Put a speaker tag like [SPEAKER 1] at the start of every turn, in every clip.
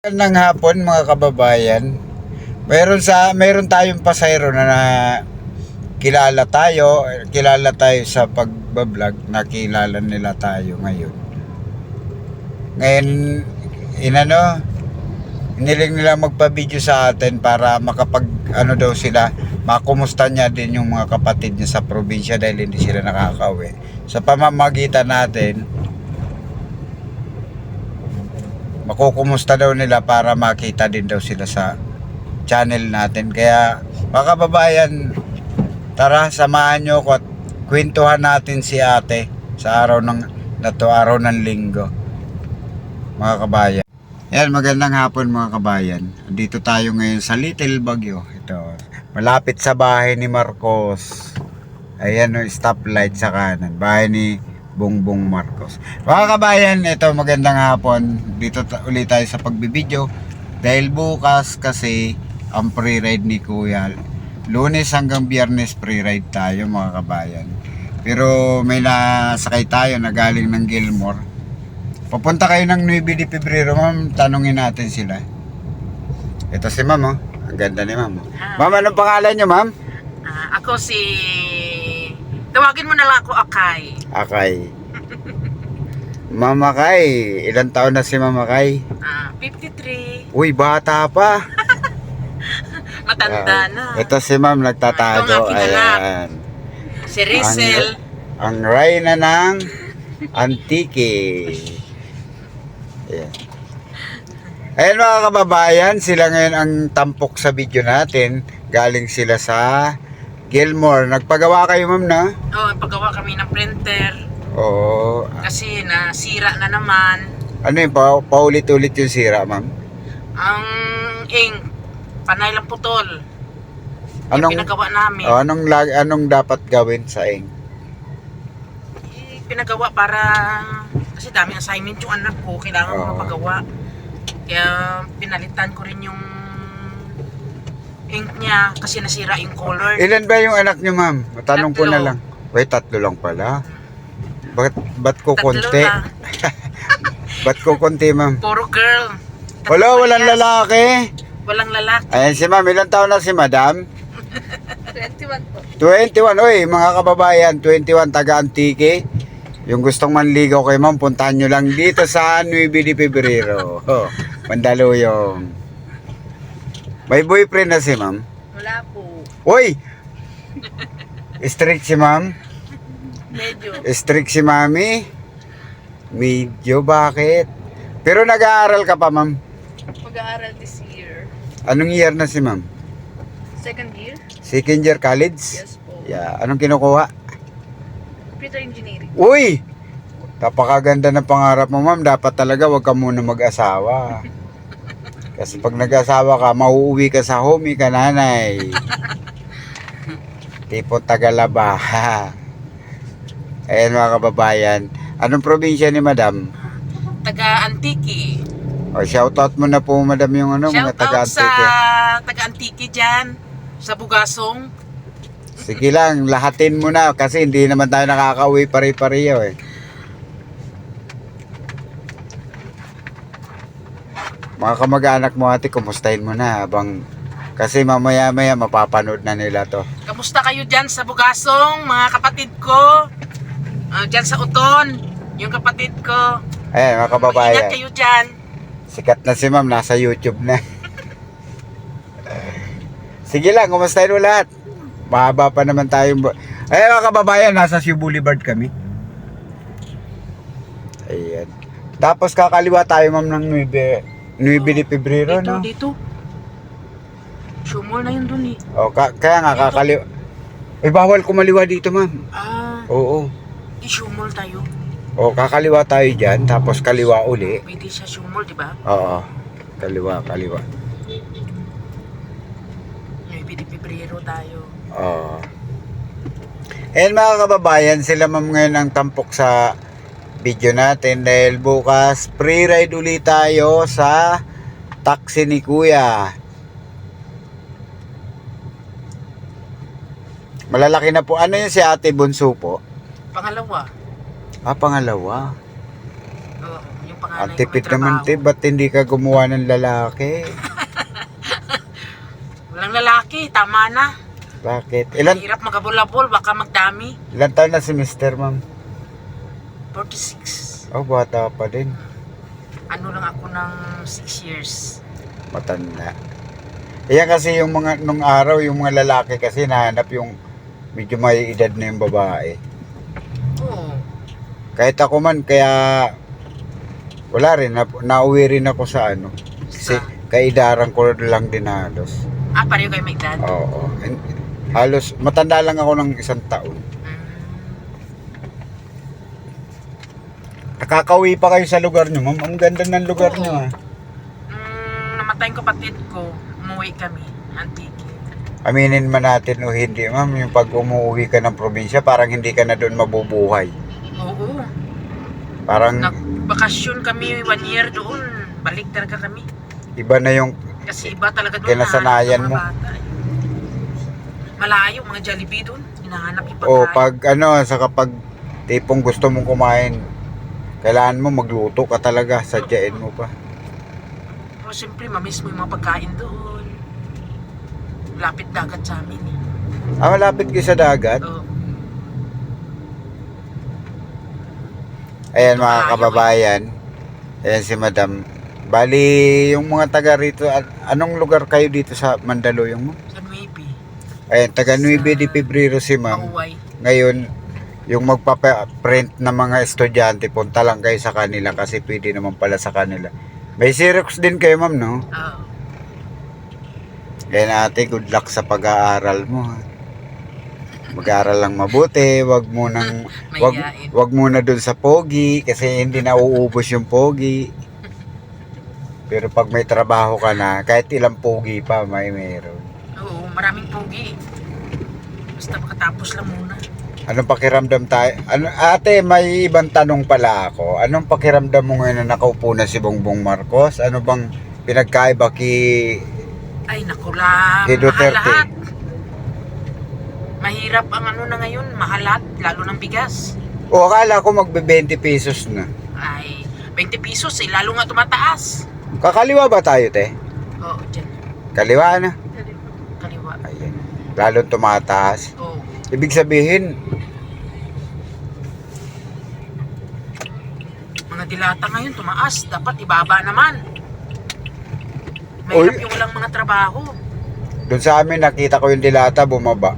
[SPEAKER 1] Ng hapon mga kababayan. Meron tayong pasahero na kilala tayo sa pagbablog, nakilala nila tayo ngayon. Ngayon iniling nila magpa-video sa atin para makapag daw sila, makumusta niya din yung mga kapatid niya sa probinsya dahil hindi sila nakakauwi. Sa pamamagitan natin, makukumusta daw nila para makita din daw sila sa channel natin. Kaya mga kababayan, tara samahan nyo ko at kwentuhan natin si ate sa araw ng linggo, mga kabayan. Yan, magandang hapon mga kabayan. Dito tayo ngayon sa Little Baguio. Ito, malapit sa bahay ni Marcos. Ayan o, stoplight sa kanan, bahay ni Bongbong Marcos. Mga kabayan, ito magandang hapon. Dito ulit tayo sa pagbibideo dahil bukas kasi ang pre-ride ni Kuya. Lunes hanggang Biyernes pre-ride tayo mga kabayan. Pero may nasakay tayo na galing ng Gilmore. Papunta kayo ng 9 de Pebrero, ma'am. Tanungin natin sila. Ito si ma'am, oh. Ang ganda ni ma'am. Ma'am, anong pangalan niyo, ma'am?
[SPEAKER 2] Ako si... Tawagin mo na lang ako Akay.
[SPEAKER 1] Akay. Mama Kay, ilang taon na si Mama Kay?
[SPEAKER 2] 53.
[SPEAKER 1] Uy, bata pa.
[SPEAKER 2] Matanda na.
[SPEAKER 1] Ito si ma'am nagtatago.
[SPEAKER 2] Ito ang aking anak.
[SPEAKER 1] Ayan.
[SPEAKER 2] Si Rizel.
[SPEAKER 1] Ang reyna ng Antique. Ayan. Ayan mga kababayan, sila ngayon ang tampok sa video natin. Galing sila sa Gilmore. Nagpagawa kayo, ma'am, na?
[SPEAKER 2] Oo, paggawa kami ng printer.
[SPEAKER 1] Oo.
[SPEAKER 2] Kasi nasira na naman.
[SPEAKER 1] Ano yun, paulit-ulit yung sira, ma'am?
[SPEAKER 2] Ang ink. Panay lang putol. Yung pinagawa namin.
[SPEAKER 1] Anong dapat gawin sa ink?
[SPEAKER 2] Pinagawa para... Kasi dami assignment yung anak ko. Kailangan ko mapagawa. Kaya pinalitan ko rin yung ink niya kasi nasira yung color.
[SPEAKER 1] Ilan ba yung anak niyo, ma'am? Matanong ko na
[SPEAKER 2] 3.
[SPEAKER 1] lang. Wait, 3 lang pala. Ba't ko
[SPEAKER 2] 3
[SPEAKER 1] konti?
[SPEAKER 2] lang.
[SPEAKER 1] Ba't ko konti, ma'am?
[SPEAKER 2] Puro girl.
[SPEAKER 1] Wala, walang lalaki.
[SPEAKER 2] Walang lalaki.
[SPEAKER 1] Ayan si ma'am, ilang taon na si madam?
[SPEAKER 2] 21 po.
[SPEAKER 1] 21, oy, mga kababayan, 21 taga-Antique. Yung gustong manligaw kay ma'am, puntahan nyo lang dito sa 9 de Pebrero. Mandaluyong. May boyfriend na si ma'am?
[SPEAKER 2] Wala po.
[SPEAKER 1] Uy! Strict si ma'am?
[SPEAKER 2] Medyo.
[SPEAKER 1] Strict si mami? Medyo, bakit? Pero nag-aaral ka pa, ma'am?
[SPEAKER 2] Mag-aaral this year.
[SPEAKER 1] Anong year na si ma'am?
[SPEAKER 2] Second year?
[SPEAKER 1] Second year college?
[SPEAKER 2] Yes po.
[SPEAKER 1] Yeah. Anong kinukuha?
[SPEAKER 2] Computer engineering.
[SPEAKER 1] Uy! Napakaganda ng pangarap mo, ma'am. Dapat talaga wag ka muna mag-asawa. Kasi pag nag-asawa ka, mauuwi ka sa home ka, nanay. Tipo Tagalaba. Ayan mga kababayan. Anong probinsya ni madam?
[SPEAKER 2] Taga-Antique.
[SPEAKER 1] O, shoutout mo na po, madam, yung mga
[SPEAKER 2] Shout out sa
[SPEAKER 1] taga-Antique.
[SPEAKER 2] taga-Antique dyan. Sa Bugasong.
[SPEAKER 1] Sige lang, lahatin mo na kasi hindi naman tayo nakakauwi pare-pareho eh. Mga kamag-anak mo ate, kumustahin mo na habang kasi mamaya-maya mapapanood na nila to.
[SPEAKER 2] Kamusta kayo dyan sa Bugasong, mga kapatid ko? Dyan sa Uton, yung kapatid ko.
[SPEAKER 1] Ayan mga kababayan,
[SPEAKER 2] Ingat kayo dyan.
[SPEAKER 1] sikat na si ma'am, nasa YouTube na. Sige lang, kumustahin mo lahat. Mahaba pa naman tayong... Ayan mga kababayan, nasa Cebu Boulevard kami. Ayan. Tapos kakaliwa tayo ma'am ng 9 de Pebrero, no?
[SPEAKER 2] Dito. Shumol na yun dun eh.
[SPEAKER 1] O, kaya nga kakaliwa. Eh, bawal kumaliwa dito ma'am. Oo.
[SPEAKER 2] Di shumol tayo.
[SPEAKER 1] O, kakaliwa tayo dyan, tapos kaliwa uli.
[SPEAKER 2] Pwede siya shumol, di ba?
[SPEAKER 1] Oo. Kaliwa.
[SPEAKER 2] 9 de Pebrero tayo.
[SPEAKER 1] Oo. Ayan mga kababayan, sila ma'am ngayon ang tampok sa video natin dahil bukas pre-ride ulit tayo sa taxi ni Kuya. Malalaki na po. Ano yun si Ate Bunso po?
[SPEAKER 2] Pangalawa.
[SPEAKER 1] Pangalawa.
[SPEAKER 2] Yung panganay
[SPEAKER 1] Ang
[SPEAKER 2] ko
[SPEAKER 1] tipid
[SPEAKER 2] may
[SPEAKER 1] naman,
[SPEAKER 2] trabaho.
[SPEAKER 1] te. Ba't hindi ka gumawa ng lalaki?
[SPEAKER 2] Walang lalaki, tama na.
[SPEAKER 1] Bakit?
[SPEAKER 2] Hirap magabol-abol, baka magdami.
[SPEAKER 1] Ilan taon na si Mr. Ma'am?
[SPEAKER 2] 46.
[SPEAKER 1] Oh, bata pa din.
[SPEAKER 2] Ano lang ako ng 6 years.
[SPEAKER 1] Matanda. Kaya kasi yung mga, nung araw, yung mga lalaki kasi nahanap yung medyo may edad na yung babae.
[SPEAKER 2] Oo.
[SPEAKER 1] Kahit ako man, kaya wala rin, nauwi rin ako sa ano. Kasi kaidaran ko lang din halos.
[SPEAKER 2] Pareho kayo may edad?
[SPEAKER 1] Oo. Halos, matanda lang ako ng 1 taon. Nakakauwi pa kayo sa lugar nyo, ma'am. Ang ganda ng lugar
[SPEAKER 2] Oo.
[SPEAKER 1] nyo, ah.
[SPEAKER 2] Namatay yung kapatid ko, umuwi kami, Antique.
[SPEAKER 1] Aminin man natin o hindi, ma'am, yung pag umuwi ka ng probinsya, parang hindi ka na doon mabubuhay.
[SPEAKER 2] Oo.
[SPEAKER 1] Parang
[SPEAKER 2] Nagbakasyon kami 1 year doon. Balik talaga kami.
[SPEAKER 1] iba na yung,
[SPEAKER 2] Kasi iba talaga doon.
[SPEAKER 1] Kinasanayan
[SPEAKER 2] hinahanap ng
[SPEAKER 1] mo.
[SPEAKER 2] mga bata, eh. Malayo, mga Jollibee doon. Hinahanap yung
[SPEAKER 1] o
[SPEAKER 2] pagkain.
[SPEAKER 1] pag ano, sa kapag tipong gusto mong kumain, kailangan mo magluto ka talaga, sadyain mo pa.
[SPEAKER 2] Pero siyempre, mamiss mo yung mga pagkain doon. Lapit dagat sa amin eh.
[SPEAKER 1] Malapit kayo sa dagat.
[SPEAKER 2] Oo.
[SPEAKER 1] Ayan
[SPEAKER 2] Ito
[SPEAKER 1] mga
[SPEAKER 2] malayo,
[SPEAKER 1] kababayan. Ayan si Madam. Bali, yung mga taga rito, anong lugar kayo dito sa Mandaluyong mo?
[SPEAKER 2] Sa Nuipi.
[SPEAKER 1] Ayan, taga Nueve de Febrero si Ma'am.
[SPEAKER 2] Mauway.
[SPEAKER 1] Ngayon, yung magpaprint ng mga estudyante, punta lang kayo sa kanila kasi pwede naman pala sa kanila. May Xerox din kayo, ma'am, no?
[SPEAKER 2] Oo.
[SPEAKER 1] Kaya ate, good luck sa pag-aaral mo. Ha? Mag-aaral lang mabuti, wag mo nang
[SPEAKER 2] Mahiyain.
[SPEAKER 1] wag muna dun sa pogi kasi hindi na uubos yung pogi. Pero pag may trabaho ka na, kahit ilang pogi pa, meron.
[SPEAKER 2] Oo, maraming pogi. Basta makatapos lang muna.
[SPEAKER 1] Anong pakiramdam tayo? Ate, may ibang tanong pala ako. Anong pakiramdam mo ngayon na nakaupo na si Bongbong Marcos? Ano bang pinagkaiba
[SPEAKER 2] Ay, naku lang.
[SPEAKER 1] kay
[SPEAKER 2] Mahal
[SPEAKER 1] Duterte?
[SPEAKER 2] lahat. Mahirap ang ano na ngayon, mahalat, lalo ng bigas.
[SPEAKER 1] O, akala ko magbe 20 pesos na.
[SPEAKER 2] Ay, 20 pesos eh, lalo nga tumataas.
[SPEAKER 1] Kakaliwa ba tayo, te?
[SPEAKER 2] Oo, dyan.
[SPEAKER 1] Kaliwa na.
[SPEAKER 2] Kaliwa.
[SPEAKER 1] Ayan. Lalong tumataas.
[SPEAKER 2] Oo.
[SPEAKER 1] Ibig sabihin,
[SPEAKER 2] Mga dilata ngayon tumaas, dapat ibaba naman. Mahirap
[SPEAKER 1] Oy.
[SPEAKER 2] yung walang mga trabaho.
[SPEAKER 1] doon sa amin nakita ko yung dilata bumaba.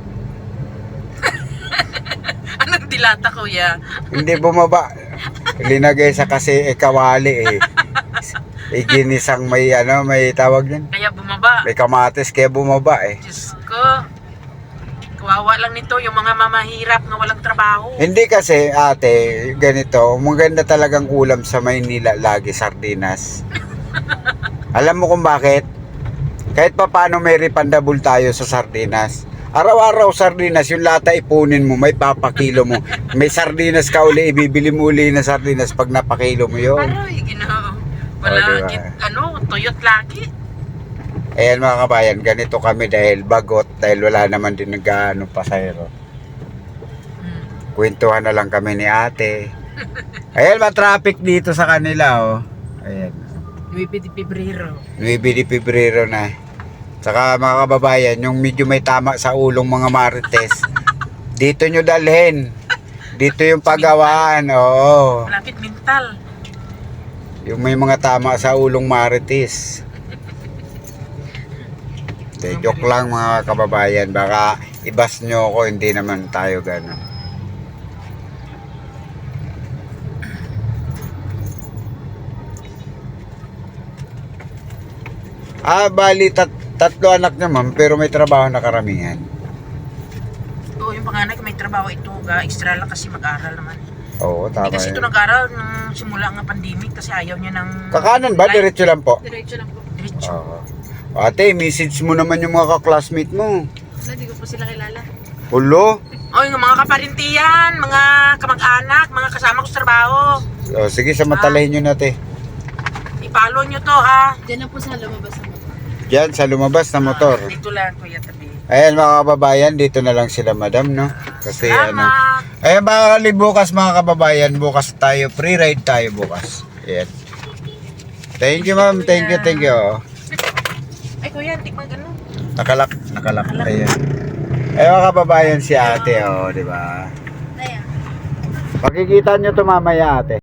[SPEAKER 2] Anong dilata, kuya?
[SPEAKER 1] Hindi bumaba. Linagay sa kasi kawali eh. Ginisang may may tawag yan.
[SPEAKER 2] Kaya bumaba.
[SPEAKER 1] May kamatis kaya bumaba eh.
[SPEAKER 2] Diyos ko. Kawawa lang nito yung mga mamahirap na walang trabaho.
[SPEAKER 1] Hindi kasi ate, ganito, maganda talagang ulam sa Maynila lagi sardinas. Alam mo kung bakit? Kahit pa paano may refundable tayo sa sardinas. Araw-araw sardinas, yung lata ipunin mo, may papakilo mo. May sardinas ka uli, ibibili mo uli na sardinas pag napakilo mo yun.
[SPEAKER 2] Aray, ginoo. Wala,
[SPEAKER 1] diba?
[SPEAKER 2] tuyot lagi.
[SPEAKER 1] Ayan mga kabayan, ganito kami dahil bagot, dahil wala naman din nag-ano pasahero. Kwentuhan na lang kami ni ate. Ayan, ma-traffic dito sa kanila, oh. Ayan.
[SPEAKER 2] 9 de Pebrero.
[SPEAKER 1] 9 de Febrero na. Saka mga kababayan, yung medyo may tama sa ulong mga marites, dito nyo dalhin. Dito yung paggawaan, oo.
[SPEAKER 2] Malapit mental.
[SPEAKER 1] Yung may mga tama sa ulong marites. De, joke lang mga kababayan, baka ibas nyo ako, hindi naman tayo gano'n. Bali, tatlo anak niya ma'am, pero may trabaho na karamihan.
[SPEAKER 2] Oo, yung panganay ko may trabaho ito. Extra lang kasi mag-aral naman.
[SPEAKER 1] Oo, tama
[SPEAKER 2] Hindi kasi ito
[SPEAKER 1] yan.
[SPEAKER 2] nag-aral nung simula ng pandemic kasi ayaw niya ng...
[SPEAKER 1] Kakanan ba? Diretso lang po?
[SPEAKER 2] Diretso lang po. Diretso.
[SPEAKER 1] Oo. Ate, message mo naman yung mga ka-classmate mo.
[SPEAKER 2] Wala, di ko po sila kilala.
[SPEAKER 1] Hulo?
[SPEAKER 2] O, yung mga kaparintiyan, mga kamag-anak, mga kasama ko sa trabaho.
[SPEAKER 1] O, sige, samantalahin nyo natin.
[SPEAKER 2] I-follow nyo to, ha?
[SPEAKER 3] Diyan na po sa lumabas na motor.
[SPEAKER 1] Diyan, sa lumabas na motor.
[SPEAKER 2] Dito lang, Kuya Tabi.
[SPEAKER 1] Ayan mga kababayan, dito na lang sila madam, no? Kasi
[SPEAKER 2] Salamat.
[SPEAKER 1] Ayan bukas mga kababayan, bukas tayo, free ride tayo bukas. Ayan. Thank you, ma'am. Thank you, thank you.
[SPEAKER 2] Ay, kuya, tikman ganun.
[SPEAKER 1] Nakalak. Ayan. Eh, mga kababayan si ate, oh, di ba?
[SPEAKER 3] Ayan.
[SPEAKER 1] Makikita nyo to mamaya, ate.